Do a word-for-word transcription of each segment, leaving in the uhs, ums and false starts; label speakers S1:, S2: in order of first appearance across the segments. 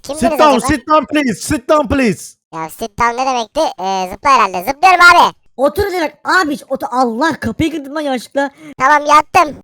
S1: Kimsiniz
S2: Sit down,
S1: acaba?
S2: sit down please, sit down please.
S1: Ya sit down ne demekti? Ee, zıpla herhalde. Zıplıyorum abi.
S3: Otur demek abi. Otur. Allah kapıyı kırdım lan yanlışlıkla.
S1: Tamam yattım.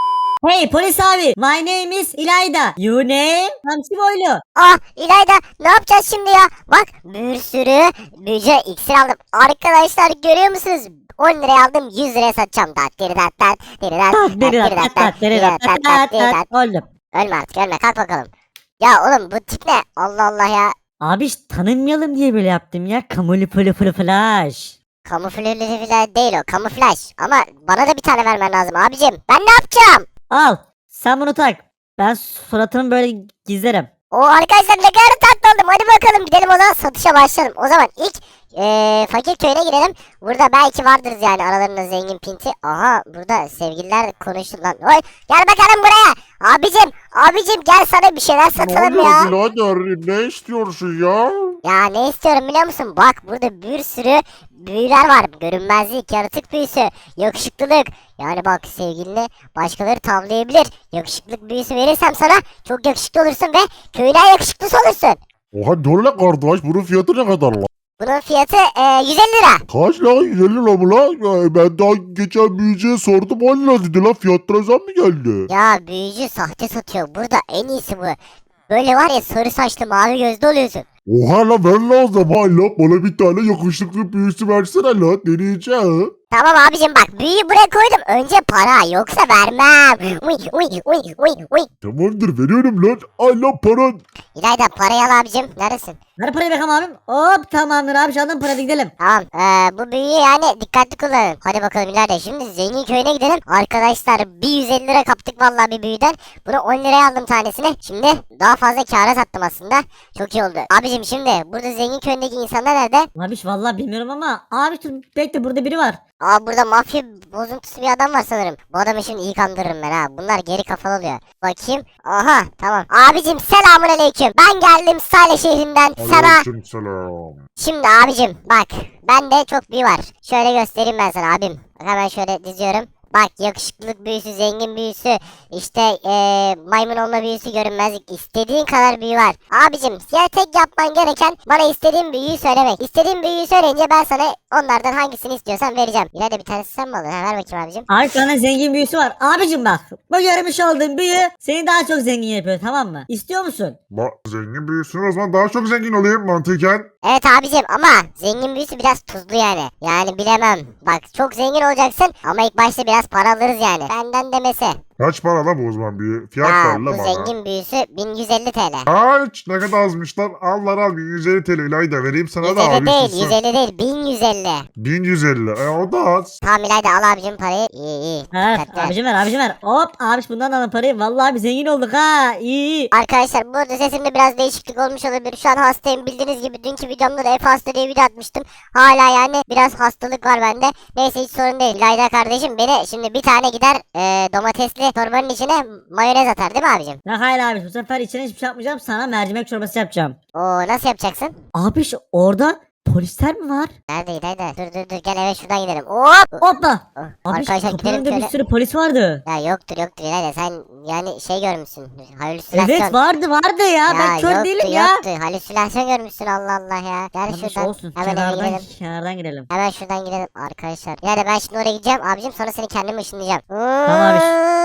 S3: Hey polis abi. My name is İlayda. You name? Hamsi boylu.
S1: Ah İlayda ne yapacağız şimdi ya? Bak bir sürü büyücü iksir aldım. Arkadaşlar görüyor musunuz? on liraya aldım yüz liraya satacağım. Dat diri dat dat diri dat dat
S3: Deri
S1: diri
S3: dat
S1: dat
S3: dat
S1: dat
S3: dat deri
S1: diri
S3: dat
S1: dat
S3: dat
S1: dat diri
S3: dat
S1: dat.
S3: dat. Öldüm.
S1: Ölme artık ölme kalk bakalım. Ya oğlum bu tip ne? Allah Allah ya.
S3: Abi hiç tanınmayalım diye böyle yaptım ya. Kamuli pılı pılı flash.
S1: Kamuflaj falan değil o kamuflaj. Ama bana da bir tane vermen lazım abicim. Ben ne yapacağım?
S3: Al. Sen bunu tak. Ben suratımı böyle gizlerim.
S1: O arkadaşlar ne kadar tatlı oldum. Hadi bakalım gidelim o zaman satışa başlayalım. O zaman ilk eee fakir köyüne girelim. Burada belki vardır yani aralarında zengin pinti. Aha burada sevgililer konuştu lan. Oy gel bakalım buraya. Abicim abicim gel sana bir şeyler satalım ya.
S4: Ne oluyor birader? Ne istiyorsun ya?
S1: Ya ne istiyorum biliyor musun? Bak burada bir sürü büyüler var. Görünmezlik, yaratık büyüsü, yakışıklılık. Yani bak sevgilini başkaları tavlayabilir. Yakışıklık büyüsü verirsem sana çok yakışıklı olursun ve köyüne yakışıklısı olursun.
S4: Oha dur la kardeş, bunun fiyatı ne kadar la?
S1: Bunun fiyatı e, yüz elli lira.
S4: Kaç la? yüz elli la mı la? Ya ben daha geçen büyücüye sordum, on lira dedi la, fiyatlara zam mı geldi?
S1: Ya büyücü sahte satıyor. Burada en iyisi bu. Böyle var ya sarı saçlı mavi gözlü oluyorsun.
S4: Oha la, ver la o zaman la, bana bir tane yakışıklı büyüsü versene la, deneyeceğim.
S1: Tamam abicim bak büyüyü buraya koydum. Önce para yoksa vermem. Uy uy uy uy uy.
S4: Tamamdır, veriyorum lan. Al la paran.
S1: İlayda parayı al abicim. Neredesin?
S3: Ver parayı bakalım abim. Hop tamamdır abi şu anda para gidelim.
S1: Tamam ee, bu büyüyü yani dikkatli kullanın. Hadi bakalım İlayda şimdi zengin köyüne gidelim. Arkadaşlar bir yüz elli lira kaptık vallahi bir büyüden. Bunu on liraya aldım tanesini. Şimdi daha fazla kâra sattım aslında. Çok iyi oldu. Abicim şimdi burada zengin köyündeki insanlar nerede?
S3: Abi şu vallahi bilmiyorum ama abi dur bekle burada biri var.
S1: Aa burada mafya bozuntusu bir adam var sanırım. Bu adamı şimdi iyi kandırırım ben ha. Bunlar geri kafalı oluyor. Bakayım. Aha tamam. Abicim selamun aleyküm. Ben geldim Salih şehrinden sana.
S4: Aleykümselam.
S1: Şimdi abicim bak. Bende çok büyü var. Şöyle göstereyim ben sana abim. Bak hemen şöyle diziyorum. Bak yakışıklılık büyüsü, zengin büyüsü, işte ee, maymun olma büyüsü, görünmezlik. İstediğin kadar büyü var. Abicim ya tek yapman gereken bana istediğin büyüyü söylemek. İstediğin büyüyü söyleyince ben sana onlardan hangisini istiyorsan vereceğim. Yine de bir tanesi sen mi aldın? Ha, ver bakayım abicim.
S3: Abi sana zengin büyüsü var. Abicim bak bu görmüş olduğun büyü seni daha çok zengin yapıyor tamam mı? İstiyor musun?
S4: La zengin büyüsün, o zaman daha çok zengin olayım mantıken.
S1: Evet abicim ama zengin büyüsü biraz tuzlu yani. Yani bilemem. Bak çok zengin olacaksın ama ilk başta biraz para alırız yani. Benden demesi.
S4: Kaç para la bu o zaman büyü? Fiyat
S1: Ya
S4: ver
S1: bu
S4: la bana.
S1: zengin büyüsü bin yüz elli T L.
S4: Kaç? Ne kadar azmış lan? Al lan al, bin yüz elli T L İlayda vereyim sana da
S1: yüz elli
S4: abi.
S1: değil
S4: tutsun.
S1: yüz elli değil bin yüz elli.
S4: bin yüz elli. E o da az.
S1: Tamam İlayda al abicim parayı. İyi iyi.
S3: Ha,
S1: Dikkatli.
S3: abicim ver abicim ver. Hop abiş bundan alın parayı. Vallahi bir zengin olduk ha. İyi iyi.
S1: Arkadaşlar bu arada sesimde biraz değişiklik olmuş olabilir. Şu an hastayım bildiğiniz gibi. Dünkü videomda da Efe hasta diye video atmıştım. Hala yani biraz hastalık var bende. Neyse hiç sorun değil. İlayda kardeşim beni şimdi bir tane gider e, domatesli torbanın içine mayonez atar değil mi abicim?
S3: Ya hayır abiş bu sefer içine hiçbir şey yapmayacağım. Sana mercimek çorbası yapacağım.
S1: Oo nasıl yapacaksın?
S3: Abiş orada polisler mi var?
S1: Nerede İlayda? Dur dur dur gel eve şuradan gidelim. Hop!
S3: Hoppa.
S1: Oh,
S3: Abiş
S1: arkadaşlar
S3: kapının
S1: gidelim
S3: önünde bir
S1: şöyle.
S3: sürü polis vardı.
S1: Ya yoktur yoktur İlayda sen yani şey görmüşsün. Halüsinasyon.
S3: Evet vardı vardı ya. Ben kör
S1: yoktu,
S3: değilim ya.
S1: Yoktu halüsinasyon görmüşsün Allah Allah ya. Gel
S3: Abiş
S1: şuradan
S3: olsun.
S1: hemen eve
S3: Kenardan,
S1: gidelim.
S3: kenardan girelim.
S1: Hemen şuradan gidelim arkadaşlar. Yani ben şimdi oraya gideceğim abicim sonra seni kendim ışınlayacağım.
S3: abi.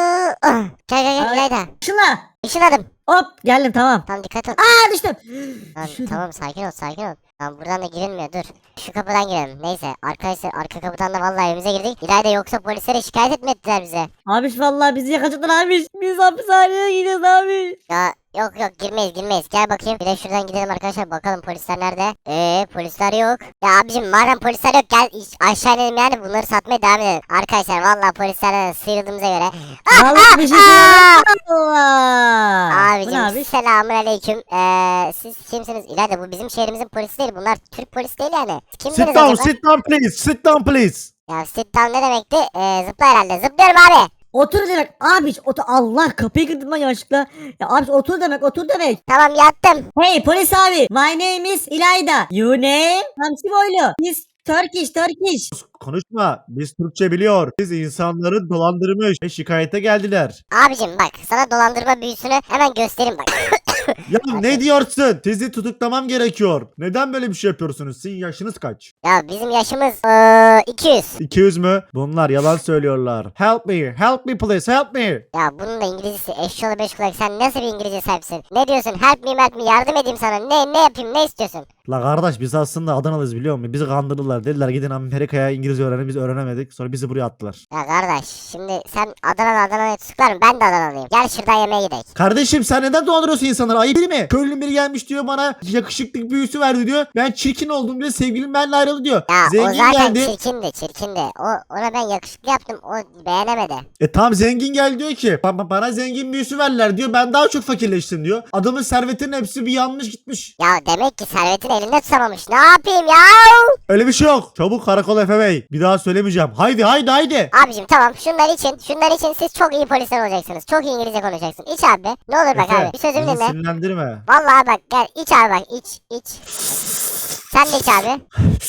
S1: Gel gel gel
S3: Ay.
S1: İlayda.
S3: Şuna.
S1: Işınladım.
S3: Hop geldim tamam.
S1: Tamam dikkat ol.
S3: Aa düştüm.
S1: Tamam,
S3: Düşürdüm.
S1: tamam sakin ol sakin ol. Tamam buradan da girilmiyor dur. Şu kapıdan girelim. Neyse arkadaşlar arka kapıdan da vallahi evimize girdik. İlayda yoksa polislere şikayet etmediler bize.
S3: Abiş vallahi bizi yakacaklar abiş. Biz hapishaneye gidiyoruz abiş.
S1: Ya yok yok girmeyiz girmeyiz. Gel bakayım. Bir de şuradan gidelim arkadaşlar bakalım polisler nerede? Eee polisler yok. Ya abicim madem polisler yok gel iş- aşağı inelim yani bunları satmaya devam edelim. Arkadaşlar vallahi polislerden sıyrıldığımıza göre.
S3: Vallahi bir şey söyleyeyim. Allah. Bu ne
S1: Abicim
S3: abiş?
S1: selamun aleyküm. Eee siz kimsiniz? İlayda bu bizim şehrimizin polisi değil. Bunlar Türk polis değil yani. Kimsiniz
S2: Sit down,
S1: acaba?
S2: sit down please, sit down please.
S1: Ya sit down ne demekti? Eee zıpla herhalde. Zıplıyorum abi.
S3: Otur demek abiş otur. Allah kapıyı kırdım lan yanlışlıkla. Ya abiş otur demek otur demek.
S1: Tamam yattım.
S3: Hey polis abi. My name is İlayda. You name? Hamsi boylu. Biz Turkish Turkish.
S2: Konuşma, biz Türkçe biliyor. Biz insanları dolandırmış ve şikayete geldiler.
S1: Abicim bak sana dolandırma büyüsünü hemen göstereyim bak.
S2: Ya ne diyorsun? Sizi tutuklamam gerekiyor. Neden böyle bir şey yapıyorsunuz? Sizin yaşınız kaç?
S1: Ya bizim yaşımız eee, iki yüz.
S2: iki yüz mü? Bunlar yalan söylüyorlar. Help me, help me please, help me.
S1: Ya bunun da İngilizcesi eşşoğlu beş kulak. Sen nasıl bir İngilizce sahipsin? Ne diyorsun? Help me help me, yardım edeyim sana. Ne ne yapayım, ne istiyorsun?
S2: La kardeş biz aslında Adanalıyız biliyor musun? Bizi kandırdılar. Dediler gidin Amerika'ya İngilizce öğrenin. Biz öğrenemedik. Sonra bizi buraya attılar.
S1: Ya kardeş şimdi sen Adana'da Adana'ya tutuklarım, ben de Adanalıyım. Gel şuradan yemeğe gidelim.
S2: Kardeşim sen neden dolandırıyorsun insanları? Ayıp değil mi? Köylünün biri gelmiş diyor bana yakışıklık büyüsü verdi diyor. Ben çirkin oldum diyor. Sevgilim benimle ayrıldı diyor.
S1: Ya o
S2: Zengin
S1: zaten
S2: geldi.
S1: çirkindi çirkindi. O, ona ben yakışıklı yaptım, o beğenemedi.
S2: E tam zengin geldi diyor ki "Ba- ba- bana zengin büyüsü verdiler diyor. Ben daha çok fakirleştim diyor. Adamın servetinin hepsi bir yanlış gitmiş.
S1: Ya demek ki servetini elinde tutamamış. Ne yapayım ya?
S2: Öyle bir şey yok. Çabuk karakol Efe Bey. Bir daha söylemeyeceğim. Haydi haydi haydi.
S1: Abicim tamam, şunlar için şunlar için siz çok iyi polisler olacaksınız. Çok iyi İngilizce konuşacaksın. İç abi. Ne olur bak
S2: Efe,
S1: abi. Bir sözümü
S2: bizi
S1: dinle.
S2: sinirlendirme.
S1: Vallahi bak gel iç abi, bak iç iç. Sen de iç abi.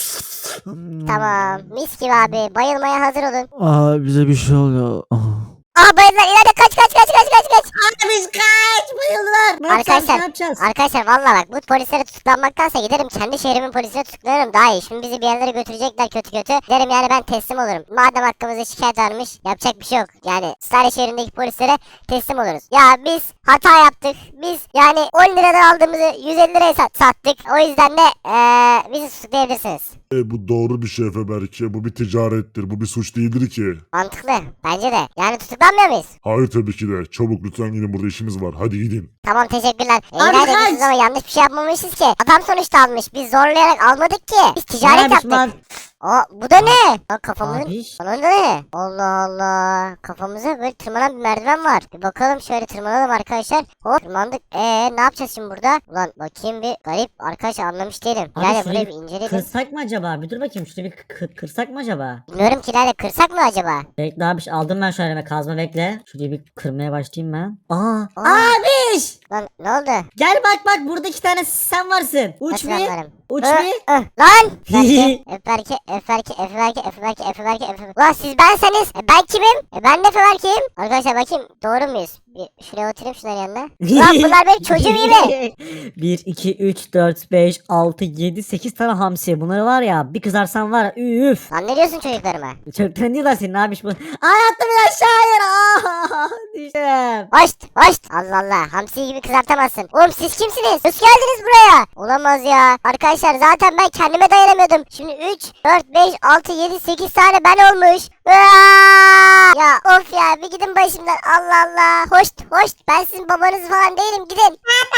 S1: Tamam. Mis gibi abi. Bayılmaya hazır olun.
S5: Aa bize bir şey oluyor.
S1: Aa bayıldılar. İleride kaç kaç kaç kaç kaç kaç.
S3: Abi kaç bayıldılar. Ne yapacağız
S1: Arkadaşlar,
S3: ne yapacağız?
S1: Arkadaşlar vallahi bak bu polislere tutuklanmaktansa giderim kendi şehrimin polisine tutuklanırım daha iyi. Şimdi bizi bir yerlere götürecekler kötü kötü. Derim yani ben teslim olurum. Madem hakkımızda şikayet varmış, yapacak bir şey yok. Yani Stare şehrindeki polislere teslim oluruz. Ya biz hata yaptık. Biz yani on liradan aldığımızı yüz elli liraya sat- sattık. O yüzden de eee bizi tutuklayabilirsiniz.
S4: E, bu doğru bir şey Efe Berke. Bu bir ticarettir. Bu bir suç değildir ki.
S1: Mantıklı. Bence de. Yani tutuklanmıyor muyuz?
S4: Hayır tabii ki de. Çabuk lütfen gidin, burada işimiz var. Hadi gidin.
S1: Tamam teşekkürler.
S3: Abi
S1: İleride
S3: kaç!
S1: diyorsunuz ama yanlış bir şey yapmamışız ki. Adam sonuçta almış. Biz zorlayarak almadık ki. Biz ticaret
S3: Abi,
S1: yaptık.
S3: man-
S1: Aa bu da ne? Aa kafamızın...
S3: Abi.
S1: Onun da ne? Allah Allah. Kafamıza böyle tırmanan bir merdiven var. Bir bakalım şöyle tırmanalım arkadaşlar. Hop tırmandık. Eee ne yapacağız şimdi burada? Ulan bakayım bir garip. Arkadaşlar anlamış değilim.
S3: Abi
S1: Yani
S3: şurayı
S1: burayı bir inceleyelim.
S3: Kırsak mı acaba? Bir dur bakayım şurada bir kır- kırsak mı acaba?
S1: Bilmiyorum ki Lale, kırsak mı acaba?
S3: Bekle abi aldım ben şöyle elime kazma bekle. Şurayı bir kırmaya başlayayım ben. Aa,
S1: Aa.
S3: abiş!
S1: Lan ne oldu?
S3: Gel bak bak burada iki tane sen varsın. Uç
S1: Nasıl
S3: bir.
S1: anlarım?
S3: Uç
S1: Hı,
S3: bir.
S1: hı. Lan! Eferke, Eferke, Eferke, Eferke, Eferke, Eferke. Ulan siz benseniz. E, ben kimim? E, ben de Eferke'yim. Arkadaşlar bakayım doğru muyuz? Bir şuraya oturayım şunların yanına. Ulan bunlar benim çocuğum iyi mi?
S3: bir, iki, üç, dört, beş, altı, yedi, sekiz tane hamsi. Bunları var ya bir kızarsan var ya üf.
S1: Lan ne diyorsun çocuklarıma?
S3: Çok tanıyorlar senin abiş bu. Ay attım bir aşağıya. Aa, düştüm.
S1: Hoşt hoşt. Allah Allah, hamsi gibi kızartamazsın. Oğlum siz kimsiniz? Nasıl geldiniz buraya? Olamaz ya. Arkadaşlar zaten ben kendime dayanamıyordum. Şimdi üç, dört, beş, altı, yedi, sekiz tane ben olmuş. Aa! Ya of ya, bir gidin başımdan. Allah Allah. Hoşt hoşt. Ben sizin babanız falan değilim, gidin.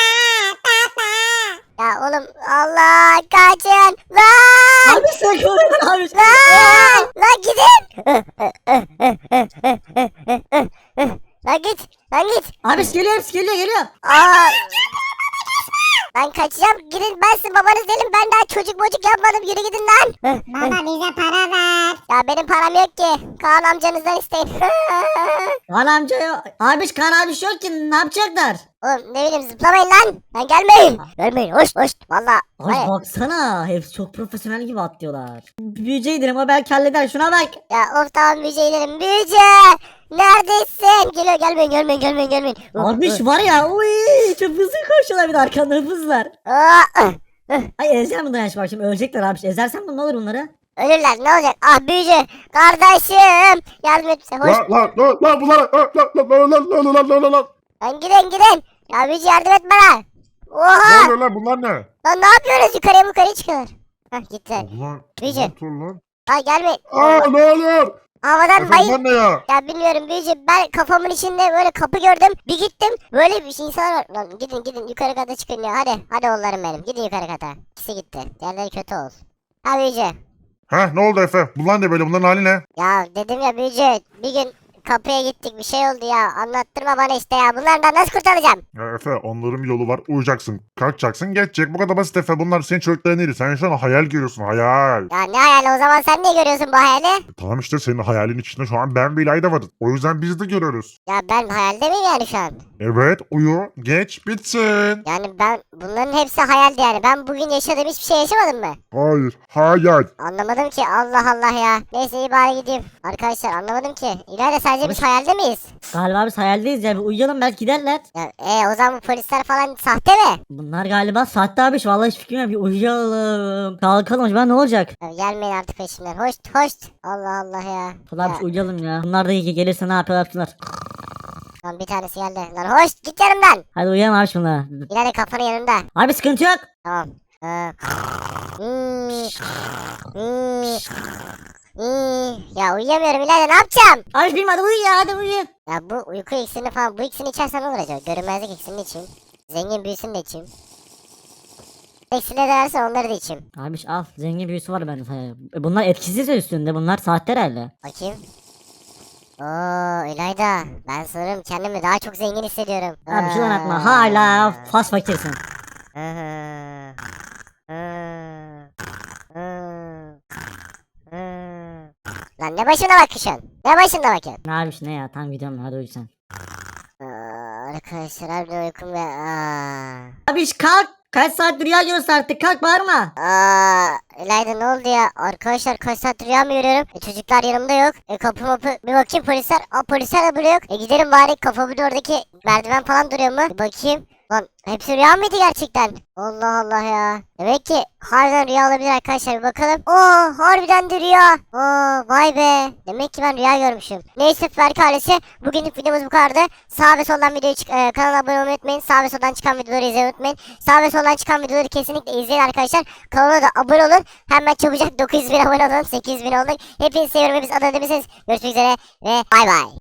S1: Ya oğlum Allah, kaçın. Lan!
S3: Abi sen kovuyorsun abi.
S1: Lan! Lan gidin. Lan git. Lan git.
S3: Abi geliyor hepsi geliyor geliyor.
S1: Aa! Ben kaçacağım. Gidin, ben sizin babanız değilim. Ben daha çocuk mocuk yapmadım. Yürü gidin lan.
S6: Baba bize para ver.
S1: Ya benim param yok ki. Kaan amcanızdan isteyin.
S3: Kaan amca yok. Abiş Kaan abiş yok ki ne yapacaklar?
S1: Oğlum ne bileyim, zıplamayın lan. Lan gelmeyin. Gelmeyin. Hoş hoş. Valla.
S3: Abi
S1: Vay.
S3: baksana hepsi çok profesyonel gibi atlıyorlar. Büyüceydir ama belki halleder şuna bak.
S1: Ya of tamam, büyüceylerim. Büyücü. Neredesin? Geliyor, gelmeyin gelmeyin gelmeyin gelmeyin.
S3: Abiş var ya uy çok hızlı koşuyorlar bir de arkanda hızlar.
S1: Aa,
S3: Ay ezeceğim bunları yaş bak şimdi ölecekler abiş. Ezersen bu ne olur bunları?
S1: ölürler, ne olacak? Ah büyücü. Kardeşim. Yardım et bize. Hoş.
S4: Lan lan lan lan bunlar lan lan lan lan lan lan lan lan lan.
S1: Lan gidin gidin. Ya büyücü yardım et bana.
S4: Ne
S1: Oha.
S4: oluyor lan, bunlar ne?
S1: Lan ne yapıyoruz? Yukarıya yukarıya çıkıyorlar. Hah gittiler.
S4: Ulan
S1: Büyücü.
S4: dur lan.
S1: Ay gelmeyin.
S4: Aa ne oluyor?
S1: Havadan bayıl.
S4: Efendim ne ya?
S1: Ya bilmiyorum büyücü, ben kafamın içinde böyle kapı gördüm, bir gittim böyle bir şey insan var. Lan gidin gidin yukarı kata çıkın ya, hadi hadi oğullarım benim, gidin yukarı kata. İkisi gitti, diğerleri kötü olsun. Ha büyücü.
S4: Heh ne oldu Efe? Bunlar ne böyle? Bunların hali ne?
S1: Ya dedim ya büyücü, bir gün kapıya gittik, bir şey oldu ya, anlattırma bana işte ya, bunlardan nasıl kurtulacağım?
S4: Ya Efe onların bir yolu var. Uyuyacaksın. Kalkacaksın. Geçecek. Bu kadar basit Efe. Bunlar senin çocukların değil. Sen şu an hayal görüyorsun. Hayal.
S1: Ya ne hayali, o zaman sen ne görüyorsun bu hayali?
S4: E, tamam işte senin hayalin içinde şu an ben bir İlayda varız. O yüzden biz de görüyoruz.
S1: Ya ben hayalde miyim yani şu an?
S4: Evet uyu geç bitsin.
S1: Yani ben bunların hepsi hayaldi yani. Ben bugün yaşadığım hiçbir şey yaşamadım mı?
S4: Hayır hayal.
S1: Anlamadım ki, Allah Allah ya. Neyse iyi bari gideyim. Arkadaşlar anlamadım ki. İleride sadece biz hayalde miyiz?
S3: Galiba biz hayaldeyiz ya. Bir uyuyalım belki giderler.
S1: Ya, e, o zaman bu polisler falan sahte mi?
S3: Bunlar galiba sahte abiş. Vallahi hiç fikrim yok. Bir uyuyalım. Kalkalım acaba ne olacak?
S1: Ya, gelmeyin artık peşimden. Hoş hoş. Allah Allah ya.
S3: Ulan
S1: Ya,
S3: biz uyuyalım ya. Bunlar da iyi ki gelirse ne yapıyorlar yapsınlar.
S1: lan bir tanesi geldi. Lan hoş git yanımdan.
S3: Hadi uyuyalım abi bunlara.
S1: İleride kafanın yanında.
S3: Abi sıkıntı yok.
S1: Tamam. Ee, hmm, hmm, hmm. Ya uyuyamıyorum ileride, ne yapacağım?
S3: Abi bilmem hadi uyu ya hadi uyu.
S1: Ya bu uyku iksirini falan, bu ikisini içersem ne olur acaba? Görünmezlik iksirini içeyim. Zengin büyüsünü de içeyim. İksini de versen onları da içeyim.
S3: Abi al zengin büyüsü var bende sana. E, Bunlar etkisiz üstünde. Bunlar sahte herhalde.
S1: Bakayım. Oo İlayda, ben sanırım kendimi daha çok zengin hissediyorum.
S3: Abi şuradan atma. Hala fas fakirsin.
S1: Hı hı. Hı. Hı. Hı. Lan ne başına bakıyorsun? Ne başına bakıyorsun?
S3: Ne abi ne ya tam gidiyorum hadi uyu sen.
S1: Aa, arkadaşlar harbiden uykum ve aa.
S3: Abi kalk. Kaç saat rüya görüyorsun artık kalk bağırma.
S1: Aa, İlayda ne oldu ya? Arkadaşlar kaç saat rüya mı görüyorum? E, çocuklar yanımda yok. E, kapı mapı bir bakayım polisler. Aa polisler de burada yok. E, gidelim bari, kafamın oradaki merdiven falan duruyor mu? Bir bakayım. Lan hepsi rüya mıydı gerçekten? Allah Allah ya. Demek ki harbiden rüya olabilir arkadaşlar, bir bakalım. Oo harbiden de rüya. Oo vay be. Demek ki ben rüya görmüşüm. Neyse Berk ailesi, bugünlük videomuz bu kadardı. Sağ ve soldan videoyu çık e, kanala abone olmayı unutmayın. Sağ ve soldan çıkan videoları izlemeyi unutmayın. Sağ ve soldan çıkan videoları kesinlikle izleyin arkadaşlar. Kanala da abone olun. Hemen çabucak dokuz yüz bin abone olalım. sekiz yüz bin olduk. Hepinizi seviyorum. Hepiniz adına demişsiniz. Görüşmek üzere ve bay bay.